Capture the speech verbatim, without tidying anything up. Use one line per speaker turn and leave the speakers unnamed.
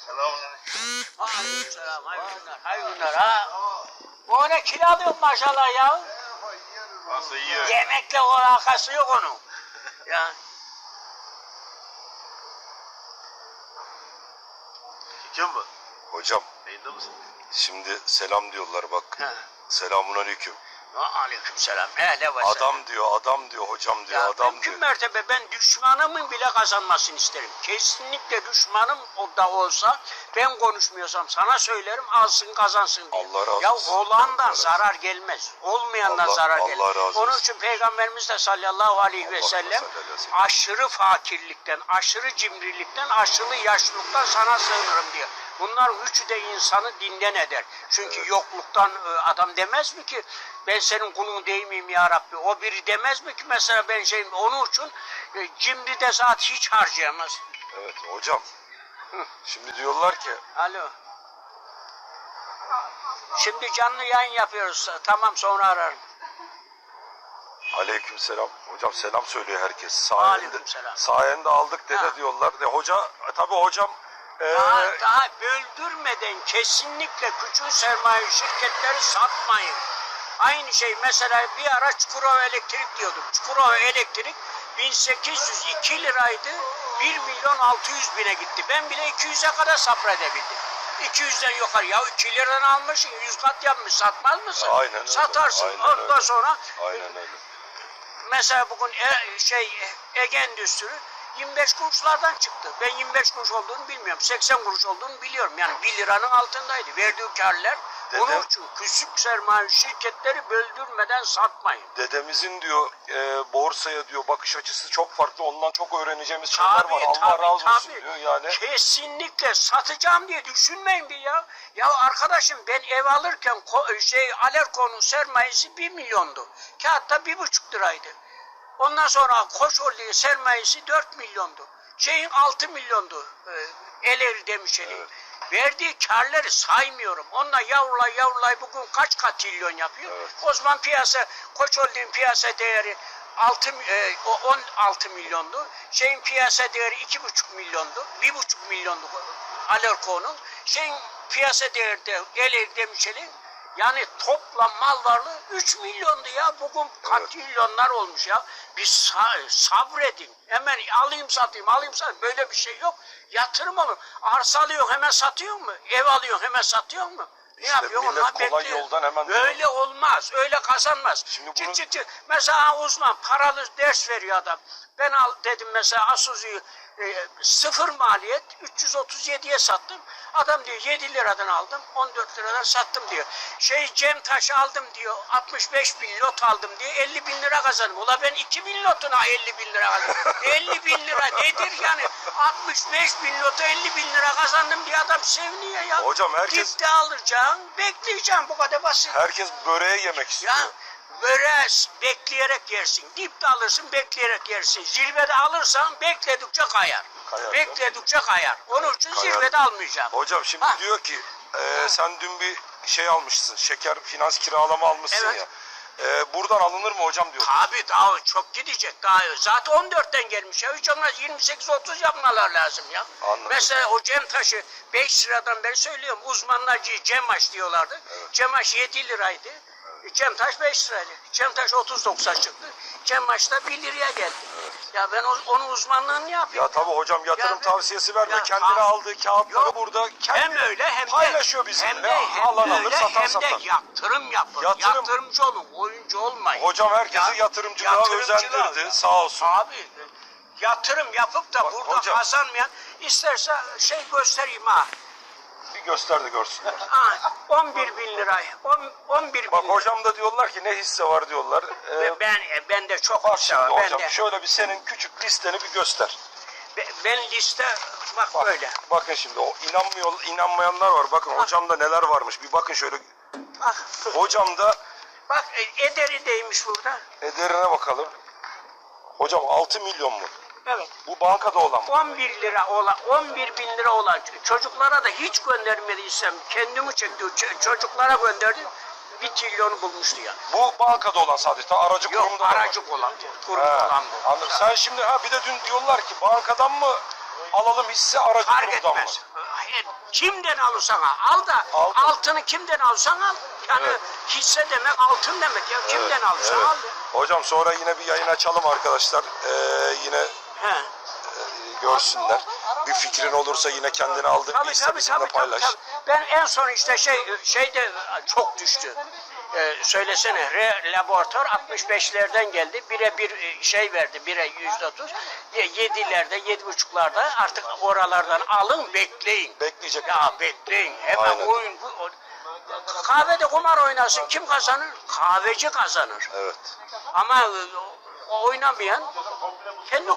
Selamünaleyküm.
Aleykümselam. Hayırlı günler. Hayırlı günler ha. Bu ne kilo alıyorsun maşallah ya.
Nasıl yiyor?
Yemekle o alakası yok onun. Ya.
Kim bu?
Hocam
Yayında mısın?
şimdi selam diyorlar bak.
Ha.
Selamun aleyküm.
Aleykümselam. He ne var sen?
Adam diyor, adam diyor, hocam diyor,
Ya
adam
mümkün
diyor.
mertebe ben düşmanımın bile kazanmasını isterim. Kesinlikle düşmanım o da olsa ben konuşmuyorsam sana söylerim alsın kazansın diye.
Allah razı
ya
olsun.
olandan
Allah razı
zarar gelmez. Olmayandan
Allah-
zarar
Allah
gelir.
razı
Onun
olsun.
için Peygamberimiz de sallallahu aleyhi ve
Allah
sellem
sallallahu aleyhi ve sellem.
aşırı fakirlikten, aşırı cimrilikten, aşırı yaşlılıktan sana sığınırım diyor. Bunlar üçü de insanı dinden eder. Çünkü
Evet.
yokluktan e, adam demez mi ki ben senin kulun değil miyim ya Rabbi? O biri demez mi ki mesela ben şeyim onun için e, cimri de zat hiç harcayamaz.
Evet hocam. Şimdi diyorlar ki
Alo. Şimdi canlı yayın yapıyoruz. Tamam sonra ararım.
aleyküm selam. Hocam selam söylüyor herkes. Sayende,
Aleykümselam.
sayende aldık dede
Ha.
diyorlar. De, hoca tabi hocam e,
Daha, daha böldürmeden kesinlikle küçük sermaye şirketleri satmayın. Aynı şey mesela bir ara Çukurova Elektrik diyordum. Çukurova Elektrik bin sekiz yüz iki liraydı. bir milyon altı yüz bine gitti. Ben bile iki yüze kadar sabredebildim. iki yüzden yukarı. Ya iki liradan almışsın, yüz kat yapmış. Satmaz mısın?
Aynen öyle.
Satarsın.
Aynen
Ondan
öyle.
sonra
aynen öyle.
mesela bugün e, şey Ege Endüstri yirmi beş kuruşlardan çıktı. Ben yirmi beş kuruş olduğunu bilmiyorum. seksen kuruş olduğunu biliyorum. Yani bir liranın altındaydı. Verdiği karlar.
Dedem-
Onun için küçük sermaye şirketleri böldürmeden satmayın.
Dedemizin diyor e, borsaya diyor bakış açısı çok farklı. Ondan çok öğreneceğimiz şeyler
Tabii,
var. Allah
tabii,
razı olsun
tabii.
diyor yani.
Kesinlikle satacağım diye düşünmeyin bir ya. Ya arkadaşım ben ev alırken ko- şey Alerko'nun sermayesi bir milyondu. Kağıtta bir buçuk liraydı. Ondan sonra Koç Holding'in sermayesi dört milyondu. Şeyin altı milyondu. E, Eleri Demişeli.
Evet.
Verdiği karları saymıyorum. Onunla yavrulay yavrulay bugün kaç katrilyon yapıyor?
Evet.
O zaman piyasa, Koç Holding'in piyasa değeri altı, e, o on altı milyondu. Şeyin piyasa değeri iki buçuk milyondu. bir buçuk milyondu Alerko'nun. Şeyin piyasa değeri de Eleri Demişeli. Yani toplam mal varlığı üç milyondu ya. Bugün katrilyonlar olmuş ya. Bir sa- sabredin. Hemen alayım satayım, alayım satayım. Böyle bir şey yok. Yatırım olur. Arsa alıyorsun hemen satıyor mu? Ev alıyorsun hemen satıyor mu? Ne
İşte
yapıyorsun?
millet
Onlar
kolay
bekliyor.
yoldan hemen-
Öyle olmaz. Öyle kazanmaz.
Şimdi
Çık
bunu-
çık çık. Mesela uzman paralı ders veriyor adam. Ben al dedim mesela Asuzu'yu e, sıfır maliyet üç yüz otuz yediye sattım. Adam diyor yedi liradan aldım, on dört liradan sattım diyor. Şey Cem Taş'ı aldım diyor, altmış beş bin lot aldım diyor, elli bin lira kazandım. Ula ben iki bin lotuna elli bin lira kazandım. elli bin lira nedir yani? altmış beş bin lota elli bin lira kazandım diye adam seviniyor ya.
Hocam herkes-
Dipte alacaksın, bekleyeceksin bu kadar basit.
Herkes böreği yemek istiyor.
Ya böreği bekleyerek yersin. Dipte alırsın bekleyerek yersin. Zirvede alırsan bekledikçe kayar.
Kayar,
Bekledikçe kayar. Onun için
Kayar.
zirvede almayacağım.
Hocam şimdi
Ha.
diyor ki e, sen dün bir şey almışsın. Şeker finans kiralama almışsın
Evet.
ya. E, buradan alınır mı hocam diyor.
Tabii daha çok gidecek daha. Zaten on dörtten gelmiş ya. Hiç olmaz yirmi sekiz otuz yapmalar lazım ya.
Anladım.
Mesela o Cem Taş'ı beş liradan beri söylüyorum. Uzmanlar Cemaş diyorlardı.
Evet.
Cemaş yedi liraydı. Cem Taş beş liraydı. Cem Taş otuz doksan çıktı. Cemaş da bir liraya geldi. Ya ben o- onun uzmanlığını ne yapayım?
Ya tabii hocam yatırım
Ya ben-
tavsiyesi vermiyor.
Ya
Kendine
ta-
aldığı kağıtları
Yok.
burada kendi
Hem öyle hem de
paylaşıyor bizimle.
Hem de hem
Alan alır,
öyle,
satan
hem
satar.
de yatırım yapın.
Yatırım-
Yatırımcı olun, oyuncu olmayın.
Hocam herkesi
Ya-
yatırımcılığa
yatırımcılığa
özendirdi.
ya.
Sağ olsun.
Abi yatırım yapıp da
Bak,
burada
hocam-
kazanmayan isterse şey göstereyim ha.
Bir göster de görsünler.
Ha, on bir bin lira. on- on bir bin
Bak
lira.
hocam da diyorlar ki ne hisse var diyorlar. Ee,
Ve ben ben de çok
bak
hisse
şimdi
var. Ben
hocam
de
şöyle bir senin küçük listeni bir göster.
be- ben liste bak,
Bak,
böyle.
bakın şimdi o inanmıyor, inanmayanlar var. Bakın hocamda neler varmış. Bir bakın şöyle.
Bak,
Hocamda
bak e, ederi değmiş burada.
ederine bakalım. Hocam altı milyon mu?
Evet.
Bu bankada olan mı?
on bir lira olan, on bir bin lira olan çocuklara da hiç göndermediysem kendimi çekti. Ç- çocuklara gönderdim. Bir trilyonu bulmuştu ya.
Bu bankada olan sadece. Ta aracı
Yok
kurumda da var.
aracı olan, kurum
He,
olan bu.
anladım. Sen şimdi ha bir de dün diyorlar ki bankadan mı alalım hisse aracı
Fark
kurumdan mı?
etmez. e, kimden alırsan al, al da
Altın.
altını kimden alırsan al. Yani
Evet.
hisse demek altın demek ya. Kimden alırsan
Evet.
al.
Hocam sonra yine bir yayın açalım arkadaşlar. Ee, yine
He.
e, görsünler. Bir fikrin olursa yine kendini aldığın bir
Tabii
hisse
tabii
bizimle
tabii, tabii
paylaş.
tabii. Ben en son işte şey şeyde çok düştü. Ee, söylesene re, laboratuvar altmış beşlerden geldi. Bire bir e, şey verdi. Bire yüzde otuz. Yedilerde, yedi buçuklarda artık oralardan alın bekleyin.
Bekleyecek.
Ya bekleyin. Hemen
Aynen.
oyun. Bu, o- kahvede kumar oynasın. Kim kazanır? Kahveci kazanır.
Evet.
Ama e, o- oynamayan kendi